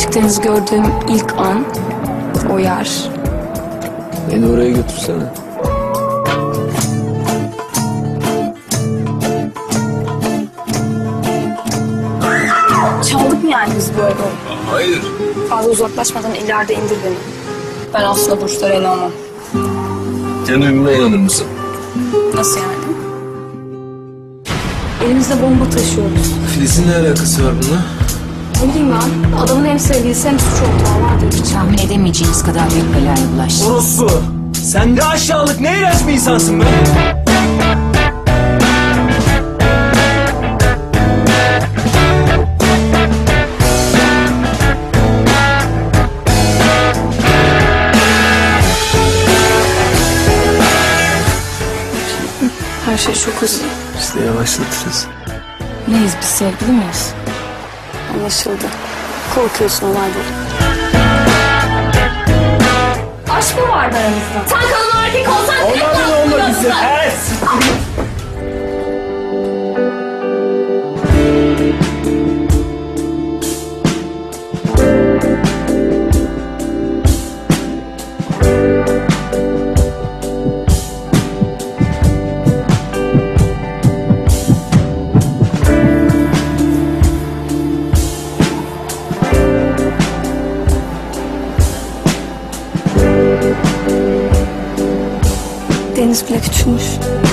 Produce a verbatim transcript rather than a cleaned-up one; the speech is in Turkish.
açık deniz gördüğüm ilk an, o yer. Beni oraya götürsene. Çaldık mı yani biz bu evi? Hayır. Fazla uzaklaşmadan ileride indir beni. Ben aslında burçlara inanmam. Sen uyumuna inanır mısın? Nasıl yani? Elimizde bomba taşıyoruz. Filiz'in ne alakası var bununla? Ne bileyim ben, adamın hem sevgilisi hem suç ortağı var diye. Tahmin edemeyeceğiniz kadar büyük belaya bulaştı. Orospu! Sen ne aşağılık, ne iğrenç bir insansın be! Her şey çok hızlı. Biz de yavaşlatırız. Neyiz biz, sevgili miyiz? Anlaşıldı. Korkuyorsun olayları. Aşk mı vardı aramızda? Sen kadın erkek olsan tek Ondan olma bizi! Evet! Deniz bile küçülmüş.